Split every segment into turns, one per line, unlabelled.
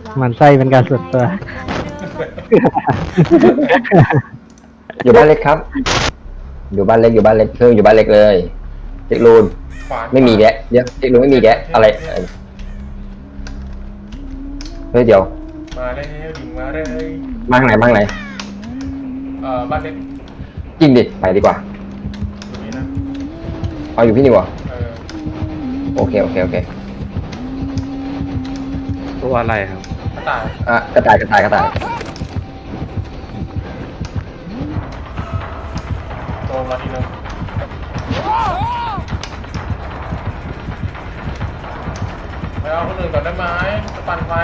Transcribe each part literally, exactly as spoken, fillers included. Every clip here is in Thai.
มันไส้เป็นการส่วนตัว
อยู่บ้านเล็กครับ อยู่บ้านเล็กอยู่บ้านเล็กเพิ่งอยู่บ้านเล็กเลยเทคลูนไม่มีแกะเดี๋ยวเทคลูนไม่มีแกะอะไรเฮ้ยเดี๋ยว
มาเลยดิ่งมาเลย
มาทางไหนมาทางไหน
เอ่อบ้านเล็ก
จริงดิไปดีกว่า
อยู่นี่นะ
เอาอยู่พี่นี่วะ
เออ
โอเคโอเคโอเค
ตัวอะไรครับ
กระต่าย
อ่ะกระต่ายกระต่ายกระต่าย
โตมาทีนึงไปเอาคนอื่นก่อนได้ไหมจะปั่นไฟ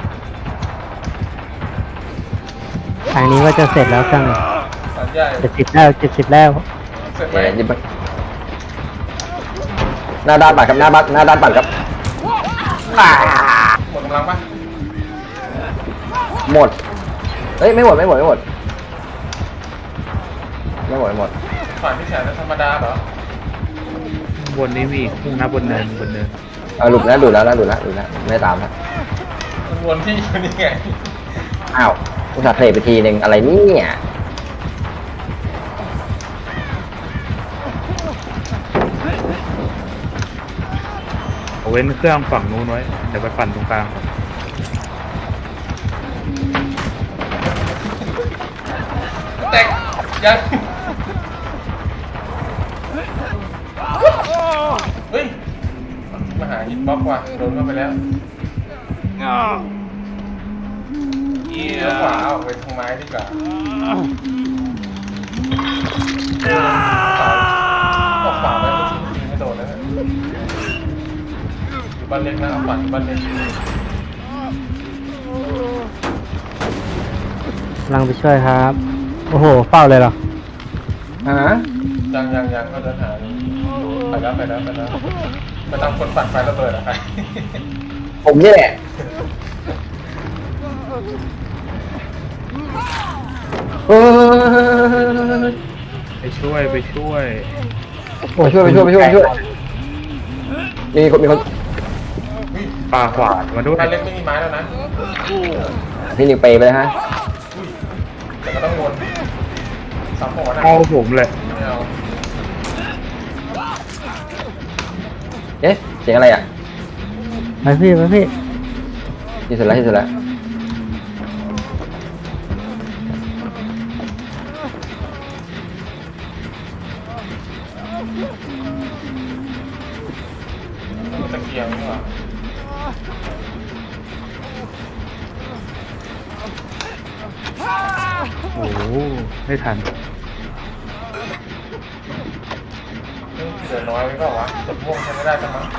ทางนี้ว่าจะเสร็จแล้วเครื่อง
ปั่นใหญ่
เจ็ดสิบแล้วเจ็ดสิบแล้ว
เสร็จไหม
เดี๋ยวยิบไปหน้าด้านปั่นกับหน้าบ้านหน้าด้านปั่นครับอ่า
หมดกำลังปะ
หมดเฮ้ยไม่หมดไม่หมดไม่หมดไม่หมดไม่หมด
ปั่นที่แขนธรรมดาเหรอบ
นนี้มีพุ่งนะบนเนินบนเนิน
เอาหลุดแล้วหลุดแล้วนะหลุดแล้วหลุดแล้วไม่ตามแล้ว
มันวนที่อยู่นี่ไง
อ้าวอุตส่าห์เทรดไปทีหนึ่งอะไรเนี่ย
เอาเว้นเครื่องฝั่งนู้นไว้เดี๋ยวไปปั่นตรงกลาง
แตกยังเฮ้ยมาหาฮิตบ็อกว่ะโดนเข้าไปแล้วเลี้ยวขวาออกไปทางไม้ดีกว่าขวาออกขวาไปเมื่อกี้ยิงไม่โดนแล้วเนี่ยอยู่บ้านเล็กนะเอาปั่นอยู่บ้านเล็ก
กำลังไปช่วยครับ โอ้โหเฝ้าเลยเหรอ
ฮะ
ยังยังยังก็เดินหาไปแล้วไปแล้วไปแล้วไปตามคนปั่นไฟระเบิดอะใคร
ผมนี่แหละเออ
ไปช่วยไปช่วย
ไปช่วยไปช่วยไปช่วยไปช่วยมีคนมีคน
ปลาขวานมาด้วย
บ้านเล็กไม่มีไม้แล้วนะ
พี่นิวเปย์ไปเลยฮะ
แต่ก็ต้องวนสามหัวนะ
เอาผมเลย
ไม่เอา
เอ๊ะเสียงอะไรอ่ะ
ไปพี่ไปพี่
ที่สุดแล้วที่สุดแล้ว
มันตะเกียงนี่หว่า
โอ้โหไม่ทัน
เฮ้ยเหลือน้อยไปเปล่าวะกดม่วงใช้ไม่ได้จังมั้ง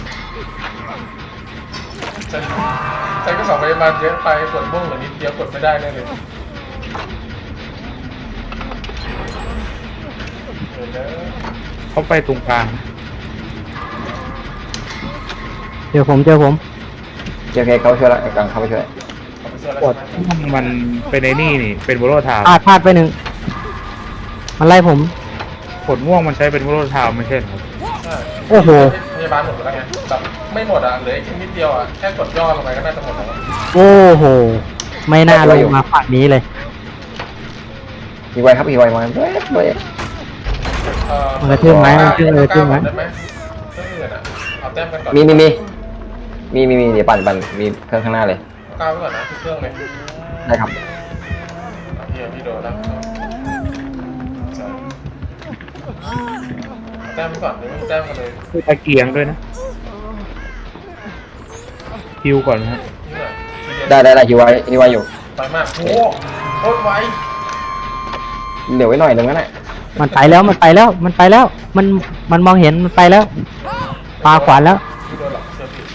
ฉันฉันก็สองพยาบาลเยอะไปกดม่วงเหลือนิดเดียวกดไม่ได้แน่เลยเดี๋ยวนะ
เขาไปตรงกลาง
เดี๋ยวผมเจอผม
โอเคเขาช่วยแล้วกลางเขาไปช่วย
ขอไปช่วยแล้ว
กด
ใช่ไหม
มันเป็นไอ้นี่นี่เป็นโบโลทาว
พลาดพลาดไปหนึ่งมันไล่ผม
กดม่วงมันใช้เป็นโบโลทาวไม่ใช่เหรอ
ใช่
โอ้โห
พยาบาลหมดแล้วไงแบบไม่หมดอ่ะเหลืออีกนิดเดียวอ่ะแค่กดย่อลงไปก็น่าจะหมดแล้ว
โอ้โห ไม่น่าลงมาฝั่งนี้เลย
มีไวครับมีไวมาเว้ยเว้ย
เอ่อ
มันกระทืบไม้มันกระทืบเลยกระทืบไม้
ได้ไหมเครื่องอื่นอ่ะเอาแต้มกันก่อน
มีมีมีมีมีมีเดี๋ยวปั่นปั่นมีเครื่องข้างหน้าเลย
ก้าวไว้ก่อนนะทุกเครื่องเลย
ได้ครับ
เอาเฮียพี่โดนแล้วใช่เอาแต้มไว้ก่อนเดี๋ยวไม่มีแต้มกันเลย
คือตะเกียงด้วยนะฮิวก่อนนะฮะ
นี่แหละทีเดียว
ได้ได้ได้ฮิวไว้ฮิวไว้อยู่
ไปมากโอ้โหโคตรไว
เดี๋ยวไว้หน่อยหนึงนะเนี่ย
มันไปแล้วมันไปแล้วมันไปแล้ว มันมันมองเห็นมันไปแล้วปาขวานแล้ว
พี่โดนหรอกเชื่อพี่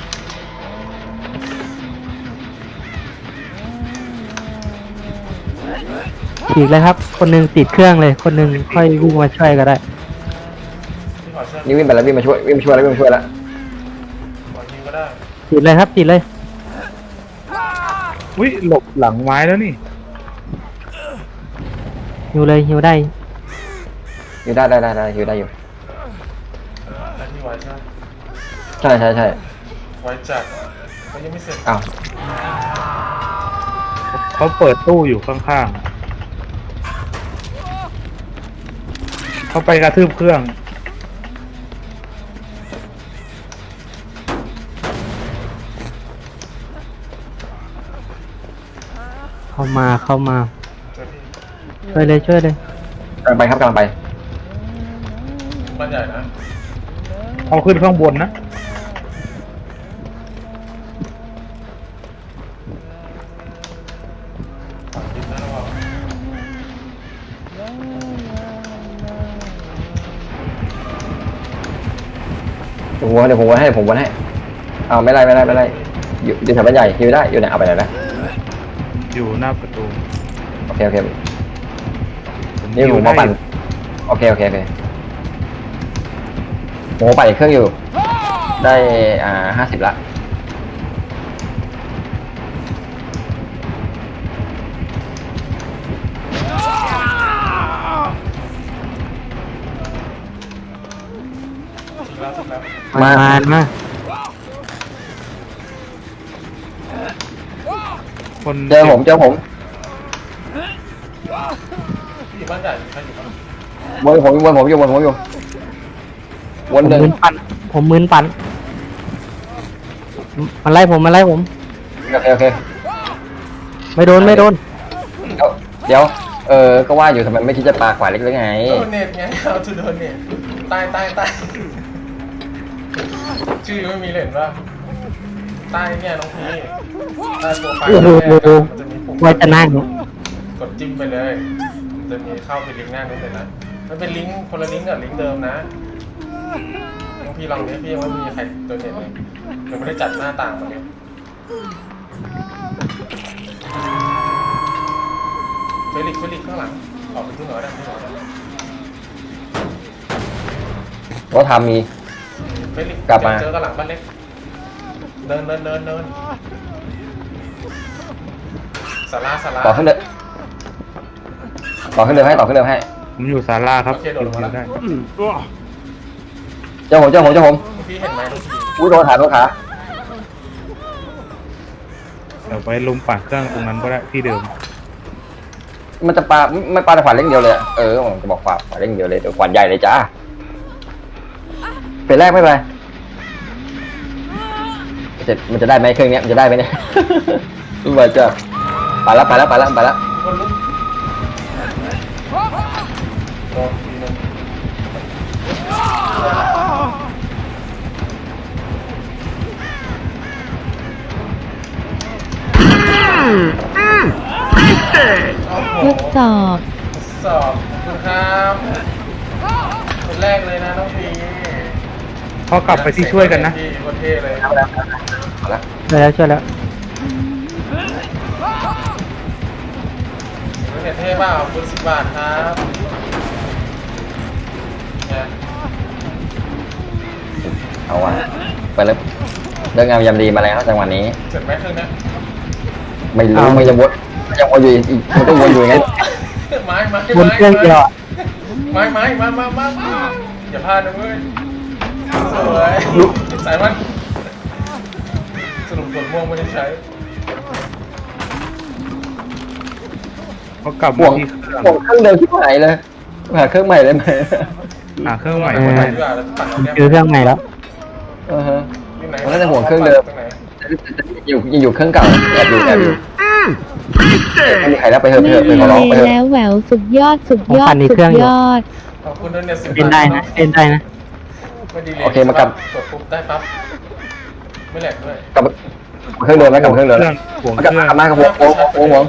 ฉีกเลยครับ คนหนึงติดเครื่องเลย คนหนึงค่อยวิ่งมาช่วยก็ได้
พี่ขอเชื่อ
นี่วิ่งไปแล้ววิ่งมาช่วยวิ่งมาช่วยแล้ววิ่งมาช่วยแล้ว
ขอยิงก็ได้
ติดเลยครับติดเลย
อุ้ยหลบหลังไม้แล้วนี่
หิวเลยหิวได้
อยู่ได้ได้ได้ได้อยู่ได้อยู่
แต่ที่ไวใช่ไหม
ใช่ใช่ใช่
ไวจัดมันยังไม่เสร็จ
อ้าว
เขาเปิดตู้อยู่ข้างๆเขาไปกระทืบเครื่อง
เข้ามาเข้ามาช่วยเลยช่วยเลย
กำลังไปครับกำลังไป
บ้านใหญ่นะ
เอาขึ้นข้างบนนะ
ฝั่งทิศนะระวัง
เดี๋ยวผมวนเดี๋ยวผมวนให้เดี๋ยวผมวนให้เอาไม่ไรไม่ไรไม่ไรอยู่อยู่แถวบ้านใหญ่อยู่ได้อยู่ไหนเอาไปไหนนะ
อยู่หน้าประตู
โอเคโอเค
ผม
นี่
อ
ผ
ยู่
ม
ได้
มาปั่นโอเคโอเคโอเคผมปั่นอีกเครื่องอยู่ ได้อ่าห้าสิบละ
ถึงแล้วถึงแล้ว
มามามา
คน
เจอผมเจอผม
ที่อยู่บ้านใหญ่ใครอยู่บ้าน
วนผมวนผมอยู่วนผมอยู่ว
ผ
น
ม
หนึ่ง
มืนปั่นผมมืนปั่นมันไล่ผมมันไล่ผม
โอเคโอเค
ไม่โดนไม่โดน
เดี๋ยวเดี๋ยวเออก็ว่าอยู่ทำไมไม่คิดจะปาขวาเล็กหรือไง
โดนเน็ตไงเอาทูโดนเน็ตใต้ใต้ใต้ชื่อไม่มีเลยเห็นป่ะใต้เนี่ยน้องพีใต้โปรไฟล์
โอ้โห
แรกอะมันจะมีปุ่ม
ไว้จะนั่ง
กดจิ้มไปเลยมันจะมีเข้าไปลิงก์หน้านู้นเลยนะมันเป็นลิงก์คนละลิงก์กับลิงก์เดิมนะน้องพี่ลองนี้พี่ยังไม่มีใครโดนเน็ตเลยยังไม่ได้จัดหน้าต่างมาเลยเฟลิกเฟลิกข้างหลังออกไปขึ้นหน่อยได้ขึ้นหน่อยได้
ก็ทำมี
เฟลิก
กลับมา
เจอกันหลังบ้านเล็กเดินเดินเดินเดินสาราสารา
ต่อขึ้นเลยต่อขึ้นเรือให้ต่อขึ้นเรือให้
ผมอยู่ศาลาครับ
โอเคโดดลงมาแล้ว
ได้
เจ้าผมเจ้าผมเจ้าผม
พี่เห็นไหมน้องพี่
อุ้ยโดนขาโดนขา
เดี๋ยวไปลุมปั่นเครื่องตรงนั้นก็ได้ที่เดิม
มันจะปาไม่ปาแต่ขวานเล่งเดียวเลยอะเออผมจะบอกขวานขวานเล่งเดียวเลยเดี๋ยวขวานใหญ่เลยจ้าเป็นแรกไม่เป็นไรเสร็จมันจะได้ไหมเครื่องเนี้ยมันจะได้ไหมเนี่ย รู้ว่าจะไปแล้วไปแล้วไปแล้วไปแล้ว
คนลุกโดนทีนึงโอ้โห
ทดสอบ
สอบขอบคุณครับคนแรกเลยนะน้องพี
พอกลับไปที่ช่วยกันนะ
ที่โคตรเท่เลย
เอาแล้วเอาแล้ว
ช่วยแล้วช่วยแล้ว
เห็นเท่เปล่าคุณสิบบาทครับเนี่ย
เอาวะไปแล้วเรื่องงามยามดีมาแล้วจังหวะนี้
เสร็จไหมเครื่องเนี้ย
ไม่รู้ไม่ยังวนมันยังวนอยู่อีกมันต้องวนอยู่อย่างนั้น
ไม้ไม้
บนเครื่องเดียวอะ
ไม้ไม้มามามามาอย่าพลาดนะเว้ยสวย
ลุก
สายมันสรุปส่วนม่วงไม่ได้ใช้
เขากลับ
ห่ว
มาง ที่เครื่อง
ห่วงเครื่องเดิมที่ไหนเลยหาเครื่องใหม่ได้ไหม
หาเครื่องใหม่
เอ
ก็
อ
ได้
ดีกว่าแล้วปั่นเอาแก้ม
คือเครื่องใหม่แล้ว
เออฮะ
ที่ไหน
ผมน่าจะห่วงเครื่องเดิม
ตรงไหน
อยู่ยังอยู่เครื่องเก่าแอบอยู่แอบอยู่ไม่มีใครแล้วไปเถอะไป
ไม่
เถอะไป
มี
ขอร้องไปเถอะ
แล้วแหววสุดยอดสุดยอ
ผมปั่
ด
นอีก
สุ
เครื่อง
ด
อยู่
ยอด
ขอบคุณด้วยเนี่ยสิบ
เล่นได้นะเล่นได้นะ
ไม่ดีเลย
โอเคมากลับ
กดปุ๊บได้ปั๊บไม่แหลกด้วย
กลับเครื่องเดิมไหมกลับเครื่องเดิม
เครื่องห่วง
ก
เค
ลับ
รื่อง
กลับมากับผมโอ้โหโอ้โห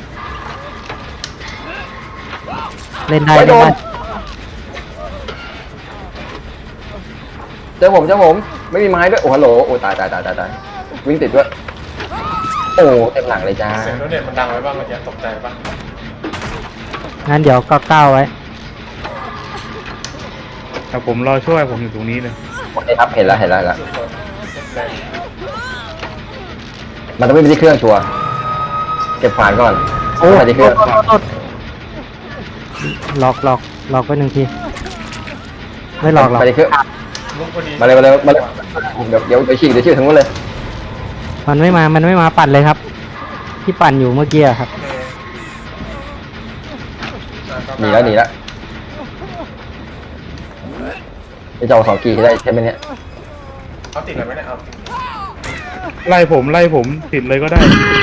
เล่นได้
ไม่
เล่
โด
น
น
ได้
เจอผมเจอผมไม่มีไม้ด้วยโอ้ฮัลโหลโอ้ตายตายตายตายตายวิ่งติดด้วยโอ้เต็มหลังเลยจ้า
เสียงรถเด็ดมันดังไว้บ้างเมื่อกี้ตกใจป่ะ
งั้นเดี๋ยวก็ก้าวไว้
แต่ผมรอช่วยผมอยู่ตรงนี้เลย
โอเคครับเห็นแล้วเห็นแล้วเห็นแล้ว
สุดคนแรง
มันต้องไม่ไปที่เครื่องชัวร์เก็บฝานก่อน
โอ้
ไปที่เครื่อง
โทษโทษโทษหลอกหลอกหลอกไปหนึ่งทีไม่หลอกหรอก
ไปที่เครื่อง
ลุกพอดี
มาเลยมาเลยมาเลยเดี๋ยวเดี๋ยวเดี๋ยวฉีกเดี๋ยวฉีกทั้งหมดเลย
มันไม่มามันไม่มาปั่นเลยครับที่ปั่นอยู่เมื่อกี้อะครับ
โอเคอ่ะ
หนีแล้วหนีแล้วจะเอาสองกีได้ใช่ไหมเนี่ย
เอาติดอะไรไหมเนี่ยเอาติด
ไล่ผมไล่ผมติดเลยก็ได้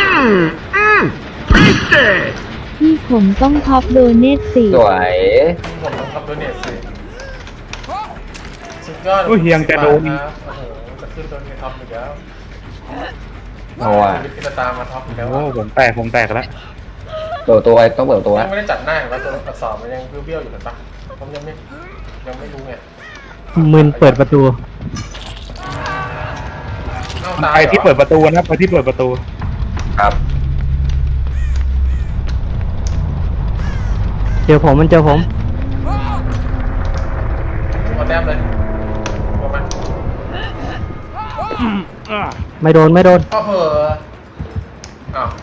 ที่ผมต้องท็อปโดเนทสี่
สวย
ผมต้องทำตัวเน็ตสิสุดยอด
โอ้ยเฮียงแต่โดน
ครับโอ้โหจะขึ้นตัวนี้ท็อปอีกแล้ว
เอาว่ะ
ชีวิตที่จะตามมาท็อปอีกแล้ว
โอ้
อะ
ผมแตกผมแตกแล้ว
เปิดตัวไว้ต้องเปิดตัว
ยังไม่ได้จัดหน้าเห็นว่าตัวอักษรมันยังเบี้ยวๆอยู่เลยปะผมยังไม่ยังไม่รู้ไง
มึนเปิดประตู
เอาตาย
ไป
หรอ
ที่เปิดประตูนะไปที่เปิดประตู
ครับ
เจอผมมันเจอผม
เอาแต้มเลยประมาณ
ไม่โดนไม่โดน
อ้าวเหอะอ้าว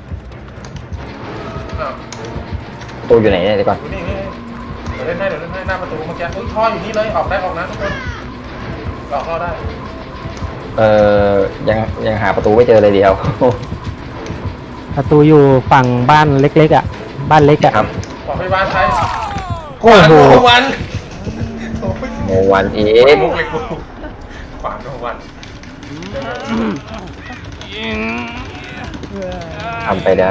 อ้าว
ตัวอยู่ไหนเนี่ยเดี๋ยวก่อน
ดูนี่นี่เดี๋ยวเล่นให้เดี๋ยวเล่นให้หน้าประตูเมื่อกี้อุ้ยท่ออยู่นี่เลยออกได้ออกนะทุกคนออกเข้าได้
เอ่อยังยังหาประตูไม่เจอเลยเดียว
ประตูอยู่ฝั่งบ้านเล็กๆอ่ะ บ้านเล็กอ่ะ
ครับ
บอกพยาบาลใช้
โอ้โห
ขวานโนวันโอ้ย
โมวันอี
เอ็
ก
มุกเลยกูขวานโนวัน
ทำไปได้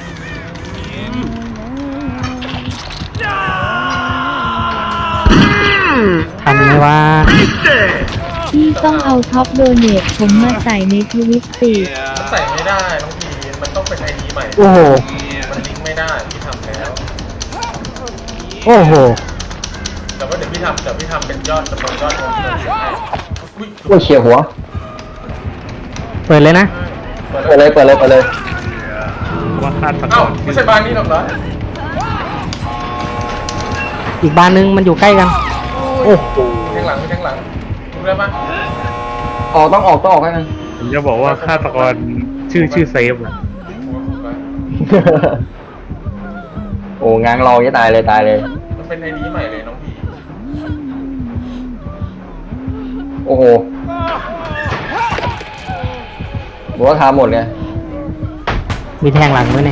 ทันไหมว่า
ที่ต้องเอาท็อปโดเนทผมมาใส่ในทวิตฟี
มันใส่ไม่ได้น้องพีมันต้องเป็นไอดีใหม่
โอ้โห
มันลิงก์ไม่ได้พี่ทำแล้ว
โอ้โห
แต่ว่าเดี๋ยวพี่ทำเดี๋ยวพี่ทำเป็นยอดจำนวนยอดรวมเงินให้อุ้ย
โอ้ยเฉียวหัว
เปิดเลยนะ
เปิดเลยเปิดเลยเปิดเลย
ว่าคาดตะก
เอ้า
อน
ไม่ใช่บ้านนี้หรอกเหรอ
อีกบ้านนึงมันอยู่ใกล้กัน โอ้โห
แทงหลังไม่แทงหลังรู้ได้ปะ
ออกต้องออกต้องออกให้มัน
ผมจะบอกว่าฆาตกรชื่อชื่อเซฟอะ
โอ้งางรองจะตายเลยตายเลย
มันเป็นไอดีใหม่เลยน้องพี
โอ้โหบอกว่าทำหมดไง
มีแทงหลังด้วยเนี่ย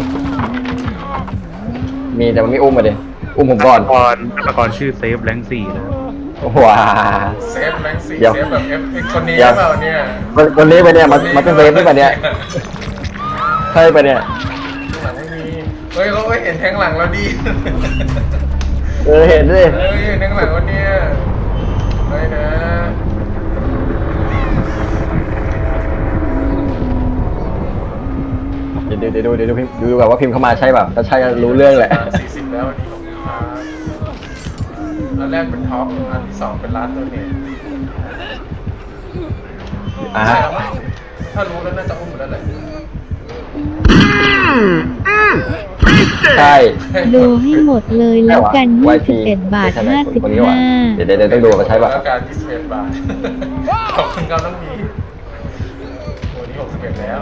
มีแต่มันไม่อุ้มมาดิอุ้มผมก่อน
ฆาตกรฆาตกรชื่อเซฟแรงสี่นะ
ว้า
เซฟแบงค์สี่
เดี๋ยว
เซฟแบบเอฟคนนี้
เดี๋ยว
เปล่าเนี่ย
วันวันนี้ไปเนี่ยมันมันเป็นเซฟด้วยปะเนี่ยใช่ปะเนี่ย
หลังไม่มีเฮ้ยเขาก็เห็นแทงหลังแล้วดี
เออเห็นดิ
เฮ้ยแทงหลังวันเนี้ยเฮ้ยนะ
เดี๋ยวเดี๋ยวดูเดี๋ยวดูพิมพ์ดูแบบว่าพิมพ์เข้ามาใช่ป่ะถ้าใช่ก็รู้เรื่องแหละ
สี่สิบแล้ววันนี้ของลูกค้าอันแรกเป็นท็อปอันที่สองเป็นร้านตัวเอง
อ่ะ
ใช่แล้วมั้งถ้ารู้แล้วน่าจะอุ้มหมดแล้วแหละ
ใช่
ดูให้หมดเลยแล้วกัน
ว
ยี่
ย
สิบเอ็ดบาท
ใช่ไหม
ห้าสิบ
คนนี้ว่ะ
ห้า
เดี๋ยวเดี๋ยวเดี๋ยวต้องดูว่าใช่ป่ะ
แล้วการยี่สิบเอ็ดบาท ขอบคุณครับน้องพีวันนี้หกสิบเอ็ดแล้ว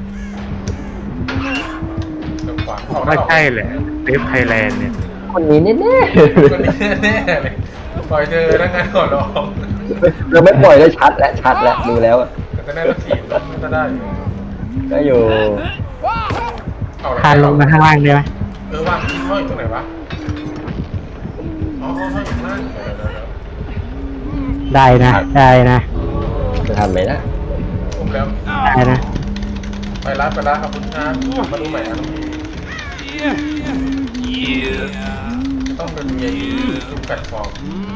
จังหวะออกได้
ไม่
ออก
ใช่แหละเซฟไทยแลนด์เนี่ย
คนนี้แน่
คนนี้แน่ๆเลยปล่อยเธอแล้วงานก่อนร้อง
ๆเราไม่ปล่อยเลยชัดและชัดและดูแล้วอะ
แต่ก็ได้รถถีบรถมันก็ได้อยู่
ก็อยู่
เอาละ
คานลงมาข้างล่างได้ไหม
เออว่างห้อยตรงไหนวะอ๋อห้อยอยู่ข้างล่างเดี๋ยวๆ
ได้นะ ได้นะ
จะทันไหมนะ
ๆผมแล้ว
ได้นะ
ไปร้านไปร้านขอบคุณครับมาดูใหม่อ่ะน้องพีต้องเป็นเมียทุกแพลตฟอร์ม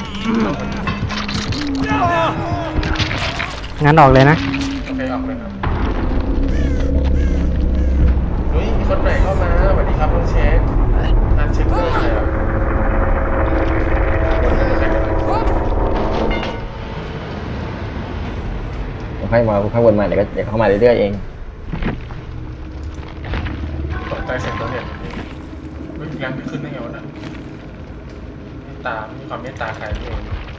งั้นออกเลยนะ
โอเคออกเลยครับเฮ้ยมีคนใหม่เข้ามาสวัสดีครับน้องเชฟอ่านเช็คเกอร์ใครอ่ะคนนั้นใครกัน
ค่อยมาค่อยวนมาเดี๋ยวก็เดี๋ยวเข้ามาเรื่อยๆเอง
ตกใจเสียงตัวเนี่ยเฮ้ยแรงไปขึ้นได้ไงวะเนี่ยเมตตามีความเมตตาใครนี่เอง